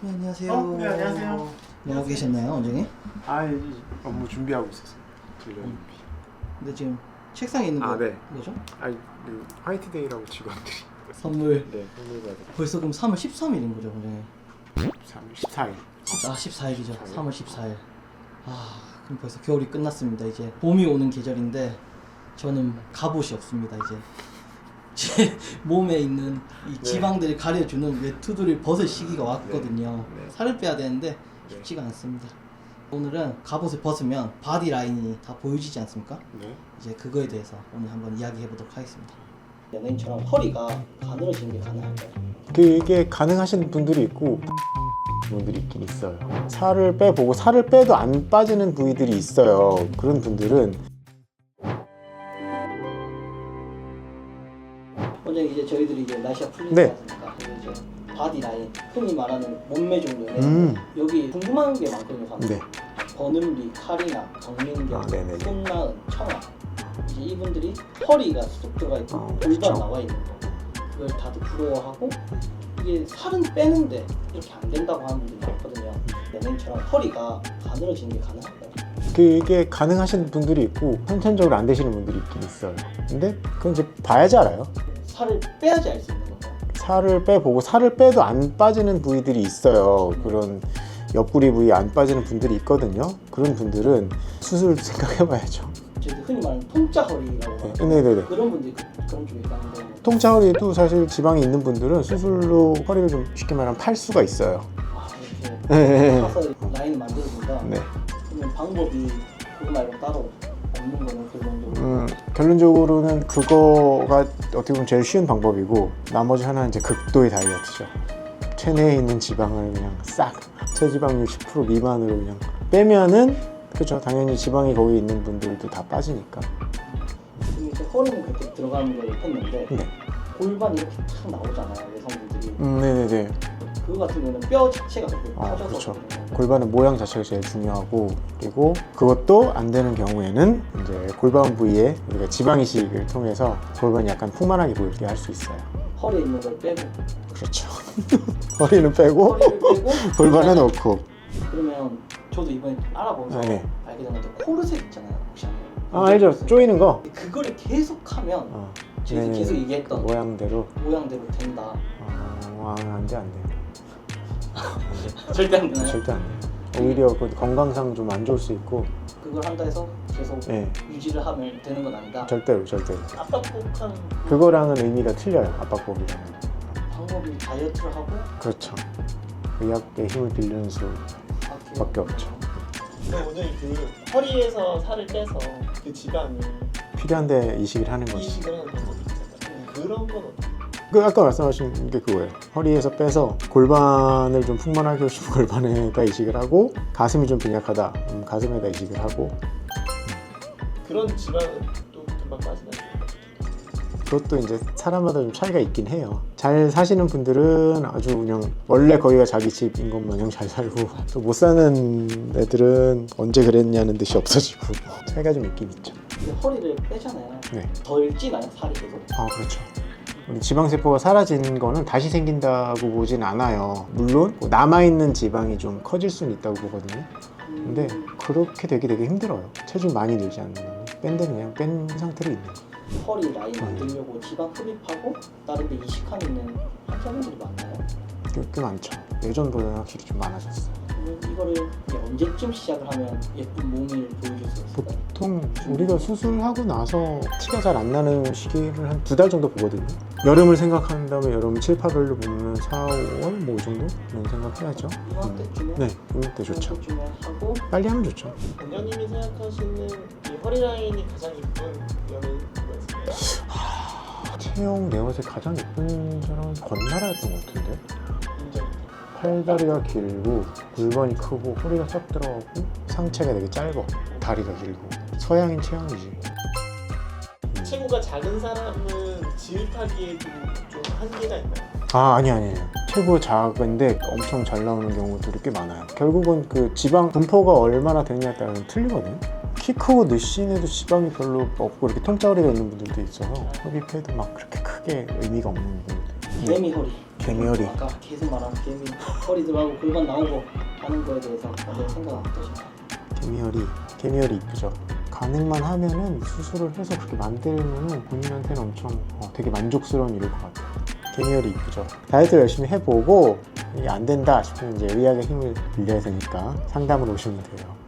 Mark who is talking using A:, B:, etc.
A: 네, 안녕하세요.
B: 네, 안녕하세요.
A: 나오고 계셨나요, 원장님?
B: 이 업무 준비하고 있었어요. 진료 준비.
A: 근데 지금 책상에 있는 거
B: 네.
A: 뭐죠?
B: 화이트데이라고 직원들이
A: 선물.
B: 네, 선물 받을
A: 벌써 그럼 3월 13일인 거죠, 원장님?
B: 14일.
A: 14일이죠. 3월 14일. 그럼 벌써 겨울이 끝났습니다. 이제 봄이 오는 계절인데 저는 갑옷이 없습니다. 이제 제 몸에 있는 이 지방들을 가려주는 외투들을 벗을 시기가 왔거든요.
B: 네.
A: 살을 빼야 되는데 쉽지가 않습니다. 오늘은 갑옷을 벗으면 바디 라인이 다 보여지지 않습니까?
B: 네.
A: 이제 그거에 대해서 오늘 한번 이야기해 보도록 하겠습니다. 연예인처럼 허리가 가늘어지는 게 가능할까요?
C: 그게 가능하신 분들이 있고 분들이 있긴 있어요. 살을 빼보고 살을 빼도 안 빠지는 부위들이 있어요. 그런 분들은
A: 원장님, 이제 저희들이 이제 날씨가 풀리지
C: 네.
A: 않습니까? 그리고 이제 바디 라인, 흔히 말하는 몸매 정도는 여기 궁금한 게 많거든요. 사람들.
C: 네.
A: 버는리, 카리나, 정민경,
C: 네네네.
A: 손나은, 청아, 이제 이분들이 허리가 쑥 들어가 있고 골반
C: 그렇죠.
A: 나와 있는 거, 그걸 다들 부러워하고 이게 살은 빼는데 이렇게 안 된다고 하는 분들이 많거든요. 연예인처럼 허리가 가늘어지는 게 가능할까요?
C: 그게 가능하신 분들이 있고 선천적으로 안 되시는 분들이 있긴 있어요. 근데 그건 이제 봐야지 알아요.
A: 살을 빼야지 알 수 있는 건가요?
C: 살을 빼보고 살을 빼도 안 빠지는 부위들이 있어요. 그런 옆구리 부위 안 빠지는 분들이 있거든요. 그런 분들은 수술 생각해봐야죠.
A: 저희들 흔히 말하는 통짜 허리라고 하죠.
C: 네네네.
A: 그런 분들이 그런 쪽에 있다는데
C: 통짜 허리도 사실 지방이 있는 분들은 수술로 허리를 좀 쉽게 말하면 팔 수가 있어요.
A: 이렇게
C: 네.
A: 파서 라인을 만들어준다.
C: 네.
A: 그러면 방법이 그거 말고 따로 없는 거는 결론적으로.
C: 결론적으로는 그거가 어떻게 보면 제일 쉬운 방법이고 나머지 하나는 이제 극도의 다이어트죠. 체내에 있는 지방을 그냥 싹 체지방률 10% 미만으로 그냥 빼면은 그렇죠. 당연히 지방이 거기 있는 분들도 다 빠지니까.
A: 지금 이제 허리는 그렇게 들어가는 걸 했는데
C: 네.
A: 골반이 이렇게 탁 나오잖아요, 여성분들이.
C: 네네네.
A: 그거 같은 경우는 뼈 자체가 그렇게 커져서
C: 그렇죠.
A: 그렇거든요.
C: 골반의 모양 자체가 제일 중요하고 그리고 그것도 안 되는 경우에는 이제 골반 부위에 우리가 지방 이식을 통해서 골반이 약간 풍만하게 보이게 할 수 있어요.
A: 허리에 있는 걸 빼고
C: 그렇죠. 허리는 빼고
A: 허리를 빼고
C: 골반은 넣고.
A: 그러면 저도 이번에 알아보면서
C: 네.
A: 알게 됐는데 코르셋 있잖아요, 혹시 아세요?
C: 알죠. 조이는 거.
A: 그거를 계속하면 제가
C: 네네.
A: 계속 얘기했던
C: 모양대로.
A: 모양대로 된다.
C: 안 돼.
A: 절대 안 되나요?
C: 절대 안 돼요. 오히려 그 건강상 좀 안 좋을 수 있고.
A: 그걸 한다 해서 계속
C: 네.
A: 유지를 하면 되는 건 아니다.
C: 절대로.
A: 압박복한
C: 그거랑은 의미가 틀려요. 압박법이랑은.
A: 방법이 다이어트를 하고
C: 그렇죠. 의학의 힘을 빌리는 수밖에 없죠.
D: 그럼 오늘 그 허리에서 살을 빼서 그 지방이
C: 필요한데 이식을 하는 거지.
D: 이식을 하는 방법이 있잖아요. 그런 건 어떻게?
C: 그 아까 말씀하신 게 그거예요. 허리에서 빼서 골반을 좀 풍만하게 해주고 골반에다 이식을 하고 가슴이 좀 빈약하다. 가슴에다 이식을 하고
D: 그런 지방은 또 금방 빠지나요?
C: 그것도 이제 사람마다 좀 차이가 있긴 해요. 잘 사시는 분들은 아주 그냥 원래 거기가 자기 집인 것 마냥 잘 살고 또 못 사는 애들은 언제 그랬냐는 듯이 없어지고 차이가 좀 있긴 있죠.
A: 근데 허리를 빼잖아요.
C: 네.
A: 덜 찌나요, 살이 계속?
C: 그렇죠. 우리 지방세포가 사라진 거는 다시 생긴다고 보진 않아요. 물론 남아있는 지방이 좀 커질 수는 있다고 보거든요. 근데 그렇게 되게 힘들어요. 체중 많이 늘지 않는 거는 뺀 데는 그냥 뺀 상태로 있는 거예요.
A: 허리 라인 만들려고 지방 흡입하고 다른 데 이식하는 환자분들이 많나요?
C: 꽤 많죠. 예전보다는 확실히 좀 많아졌어요.
A: 그러면 이거를 이제 언제쯤 시작을 하면 예쁜 몸을 보여줄 수 있을까요?
C: 보통 우리가 수술하고 나서 티가 잘 안 나는 시기를 한 2달 정도 보거든요. 여름을 생각한다면 여름 7, 8월로 보면 4, 5월 뭐 이 정도는 생각해야죠.
A: 이맘때쯤에
C: 네, 이때 좋죠.
A: 이맘때쯤에 하고
C: 빨리 하면 좋죠.
D: 원장님이 생각하시는 이 허리 라인이 가장 예쁜 연예인 누가 있을까요?
C: 체형 내 옷에 가장 예쁜 사람은 권나라였던 것 같은데.
D: 인정.
C: 팔다리가 길고 골반이 크고 허리가 싹 들어가고 상체가 되게 짧아. 다리가 길고 서양인 체형이지.
D: 체구가 작은 사람은 지읒하기에도 좀 한계가 있나요?
C: 아니에요. 체구 작은데 엄청 잘 나오는 경우들이 꽤 많아요. 결국은 그 지방 분포가 얼마나 되느냐에 따라 틀리거든요. 키 크고 느씬해도 지방이 별로 없고 이렇게 통짜리가 있는 분들도 있어서 흡입해도 막 그렇게 크게 의미가 없는 분들.
A: 개미 허리.
C: 개미허리.
A: 아까 계속 말한 개미 허리 들어가고 골반 나오고 하는 거에 대해서 먼저 생각 어떠신가요?
C: 개미허리 이쁘죠. 가능만 하면은 수술을 해서 그렇게 만들면은 본인한테는 엄청 되게 만족스러운 일일 것 같아요. 개미허리 이쁘죠. 다이어트를 열심히 해보고 이게 안 된다 싶으면 이제 의학의 힘을 빌려야 되니까 상담을 오시면 돼요.